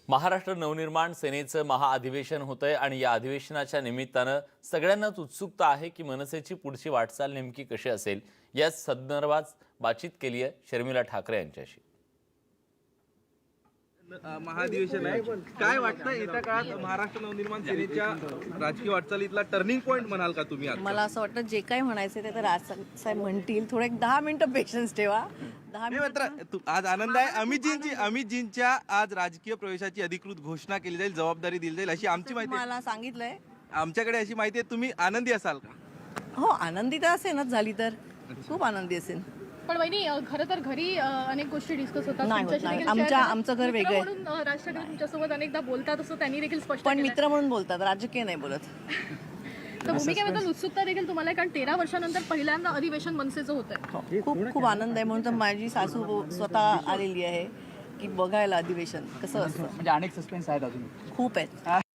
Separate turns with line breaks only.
महाराष्ट्र नवनिर्माण सेनेचं महाअधिवेशन होतंय आणि या अधिवेशनाच्या निमित्तानं सगळ्यांनाच उत्सुकता आहे की मनसेची पुढची वाटचाल नेमकी कशी असेल या संदर्भात बातचीत केली आहे शर्मिला ठाकरे यांच्याशी।
महाअधिवेशन आहे, काय वाटतं येत्या काळात महाराष्ट्र नवनिर्माण सेनेच्या राजकीय वाटचालीतला टर्निंग पॉइंट म्हणाल का तुम्ही?
मला असं वाटतं जे काही म्हणायचं ते तर राजसाहेब म्हणतील, थोडं एक 10 मिनिटं पेशन्स ठेवा। 10 मिनिटं
आज आनंद आहे, अमितजींच्या आज राजकीय प्रवेशाची अधिकृत घोषणा केली जाईल, जबाबदारी दिली जाईल अशी आमची माहिती
मला सांगितलंय।
आमच्याकडे अशी माहिती आहे, तुम्ही आनंदी असाल का?
हो, आनंदी तर असेनच, झाली तर खूप आनंदी असेल।
पण वहिनी खरं तर घरी अनेक गोष्टी डिस्कस होतात
नाही होत,
तुमच्याशी
नाही।
देखील share
आमचं घर
मित्र
वेगळं आहे।
म्हणून राज ठाकरे तुमच्यासोबत अनेकदा बोलतात असं त्यांनी देखील स्पष्ट
पण
केलंय.
मित्र म्हणून बोलतात, राजकीय नाही बोलत।
तर भूमिकेबद्दल उत्सुकता देखील तुम्हाला आहे, कारण 13 वर्षानंतर पहिल्यांदा अधिवेशन मनसेचं होतंय।
खूप खूप आनंद आहे, म्हणून तर माझी सासू स्वतः आलेली आहे की बघायला अधिवेशन कसं असतं।
म्हणजे अनेक सस्पेन्स आहेत अजून
खूप आहेत।